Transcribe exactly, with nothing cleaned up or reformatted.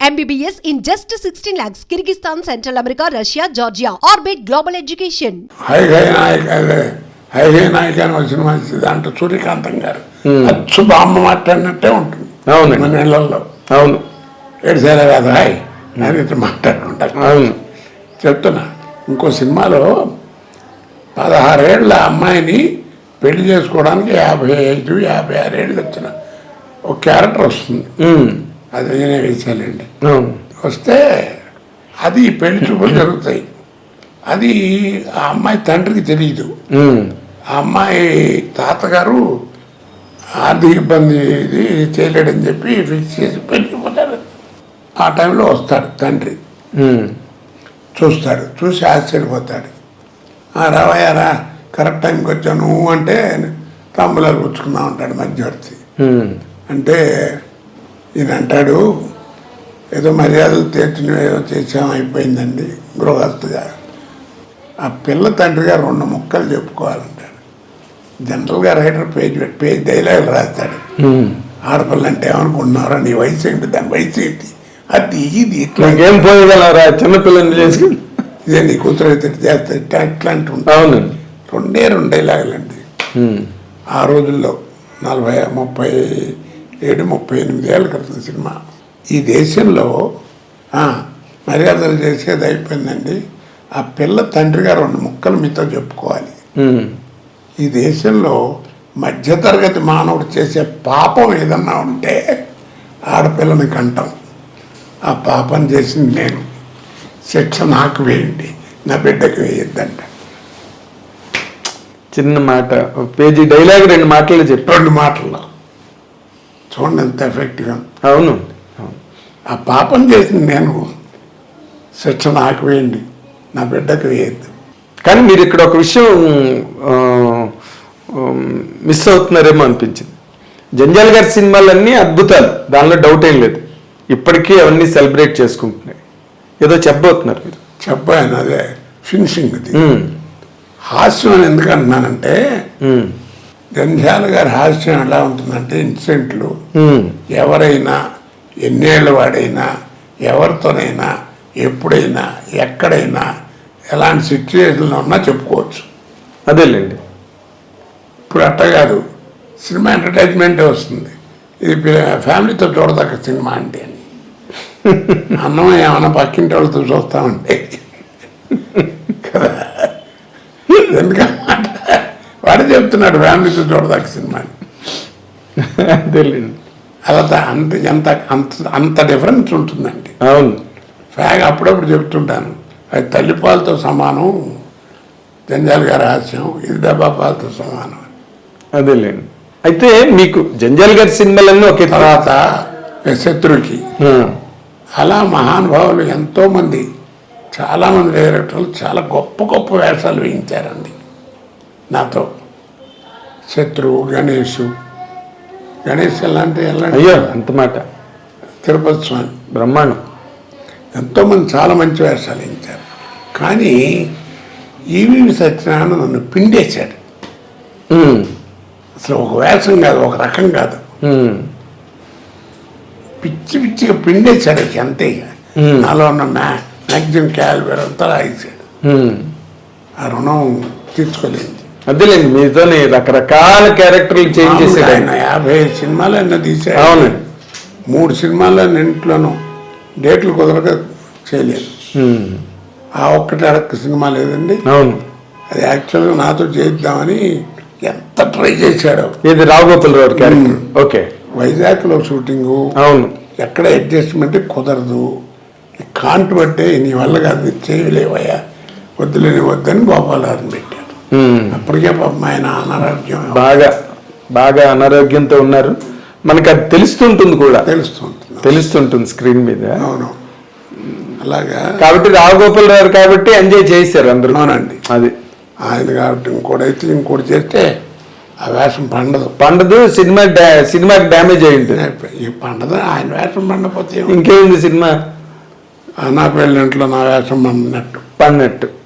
M B B S in just sixteen lakhs. Kyrgyzstan, Central America, Russia, Georgia. Orbit Global Education. Hi hi Nayak అదే hi hi Naik అని వచ్చిన మంచిది దాంట్లో సూర్యకాంతం గారు అచ్చు బామ్మ మాట్లాడినట్టే ఉంటుంది. అవును మన ఇళ్లలో అవును ఏడుసేలా కాదు హాయ్ అని ఇట్లా మాట్లాడుకుంటారు. అవును చెప్తున్నా ఇంకో సినిమాలో పదహారేళ్ల అమ్మాయిని పెళ్లి చేసుకోవడానికి యాభై ఐదు యాభై ఆరేళ్ళు వచ్చిన ఒక క్యారెక్టర్ వస్తుంది. అది నేనే వేసానండి. వస్తే అది పెళ్లి చూపులు జరుగుతాయి. అది ఆ అమ్మాయి తండ్రికి తెలియదు. ఆ అమ్మాయి తాతగారు ఆర్థిక ఇబ్బంది ఇది చేయలేడని చెప్పి ఫిక్స్ చేసి పెళ్ళిపోతారు. ఆ టైంలో వస్తాడు తండ్రి, చూస్తాడు, చూసి ఆశ్చర్యపోతాడు. రావయ్యారా కరెక్ట్ టైంకి వచ్చాను అంటే తాంబూలాలు పుచ్చుకుందాం ఉంటాడు మధ్యవర్తి. అంటే ఈయన అంటాడు ఏదో మర్యాదలు తీర్చిన ఏదో చేసాం అయిపోయిందండి గృహస్థుగా. ఆ పిల్ల తండ్రి గారు రెండు ముక్కలు చెప్పుకోవాలంటాడు. జనరల్గా రైటర్ పేజ్ పేజ్ డైలాగులు రాస్తాడు. ఆడపిల్ల అంటే ఏమనుకుంటున్నారా, నీ వయసు ఏంటి, దాని వయసు ఏంటి, అది ఇది ఇట్లా ఏం పోయగలరా చిన్నపిల్లని చేసుకుని ఇదే నీ కూతురు అయితే చేస్తా ఇట్లా ఇట్లాంటి ఉంటాయి. రెండే రెండు డైలాగులండి. ఆ రోజుల్లో నలభై ముప్పై ఏడు ముప్పై ఎనిమిది ఏళ్ళ క్రితం సినిమా. ఈ దేశంలో మర్యాదలు చేసేది అయిపోయిందండి. ఆ పిల్ల తండ్రి గారు రెండు ముక్కలు మీతో చెప్పుకోవాలి. ఈ దేశంలో మధ్యతరగతి మానవుడు చేసే పాపం ఏదన్నా ఉంటే ఆడపిల్లని కంటాం. ఆ పాపం చేసింది నేను, శిక్ష నాకు వేయండి, నా బిడ్డకు వేయొద్దంట. చిన్న మాట, పేజీ డైలాగ్ రెండు మాటలు చెప్పి రెండు మాటల్లో చూడండి ఎంత ఎఫెక్ట్గా. అవును, ఆ పాపం చేసింది నేను, శిక్ష నాకు వేయండి, నా బిడ్డకు వేయద్దు. కానీ మీరు ఇక్కడ ఒక విషయం మిస్ అవుతున్నారేమో అనిపించింది. జంజాల్ గారి సినిమాలన్నీ అద్భుతాలు, దానిలో డౌట్ ఏం లేదు. ఇప్పటికీ అవన్నీ సెలబ్రేట్ చేసుకుంటున్నాయి. ఏదో చెప్పబోతున్నారు మీరు. చెప్పాను, అదే ఫినిషింగ్. అది హాస్యం అని ఎందుకు అంటున్నానంటే జంధ్యాల గారి హాస్యం ఎలా ఉంటుందంటే ఇన్సిడెంట్లు ఎవరైనా ఎన్నేళ్ళ వాడైనా ఎవరితోనైనా ఎప్పుడైనా ఎక్కడైనా ఎలాంటి సిచ్యువేషన్లో ఉన్నా చెప్పుకోవచ్చు. అదేలేండి. ఇప్పుడు అట్ట కాదు, సినిమా ఎంటర్టైన్మెంటే వస్తుంది. ఇది ఫ్యామిలీతో చూడదగ్గ సినిమా అంటే అని అన్నం ఏమన్నా పక్కింటి వాళ్ళతో చూస్తామంటే కదా, ఎందుకన్నమాట వాడే చెప్తున్నాడు ఫ్యామిలీతో చూడదగ్గ సినిమా అని. అదేలేండి. అలా అంత ఎంత అంత అంత డిఫరెన్స్ ఉంటుందండి. అవును, ఫ్యాగ్ అప్పుడప్పుడు చెప్తుంటాను, అది తల్లిపాలతో సమానం జంజాల్ గారి హాస్యం, ఇది డబ్బా పాలతో సమానం. అదేలేండి. అయితే మీకు జంజాల్ గారి సినిమాలన్నీ ఒకే తర్వాత శత్రుకి అలా మహానుభావులు ఎంతోమంది, చాలామంది డైరెక్టర్లు చాలా గొప్ప గొప్ప వేషాలు వేయించారండి నాతో. శత్రువు, గణేష్ గణేష్ ఎలాంటి ఎలాంటి అయ్యో అంత మాట, తిరుపతి స్వామి బ్రహ్మాండం, ఎంతోమంది చాలా మంచి వేషాలు వేయించారు. కానీ ఈవీవి సత్యనారాయణ నన్ను పిండేశాడు. అసలు ఒక వేషం కాదు, ఒక రకం కాదు, పిచ్చి పిచ్చిగా పిండేశాడు. అంతే, నాలో ఉన్న మ్యా మ్యాక్సిమం క్యాలిబర్ అంతా రాయించాడు. ఆ రుణం తీర్చుకోలేదు. అదేలేండి, మీతో రకరకాల క్యారెక్టర్లు చేంజ్ చేశాడు ఆయన. యాభై సినిమాలు అయినా తీసాడు. అవును, మూడు సినిమాల్లో ఇంట్లోనూ డేట్లు కుదరక చేయలేదు. ఆ ఒక్కటి అడక్క సినిమా లేదండి. అవును, అది యాక్చువల్గా నాతో చేద్దామని ఎంత ట్రై చేశాడు. ఇది రావుగోపాల్ రావు క్యారెక్టర్. ఓకే, వైజాగ్లో షూటింగు. అవును, ఎక్కడ అడ్జస్ట్మెంట్ కుదరదు, కాంటు పట్టే నీ వల్ల కాదు, చేయలేవయ్యా, వద్దులేని వద్దని గోపాలరావుని పెట్టారు. అప్పటికే పాపం ఆయన అనారోగ్యం, బాగా బాగా అనారోగ్యంతో ఉన్నారు. మనకు అది తెలుస్తుంటుంది కూడా, తెలుస్తుంటుంది తెలుస్తుంటుంది స్క్రీన్ మీద. అవును, అలాగా. కాబట్టి రావుగోపాల్ రావు కాబట్టి ఎంజాయ్ చేశారు అందరూ. అవునండి, అది ఆయన కాబట్టి. ఇంకోటైతే ఇంకోటి చేస్తే ఆ వేషం పండదు పండదు సినిమా సినిమాకి డ్యామేజ్ అయ్యింది. ఈ పండదు, ఆయన వేషం పండపోతే ఇంకేముంది సినిమా. నా పెళ్ళింట్లో నా వేషం పండినట్టు పడినట్టు.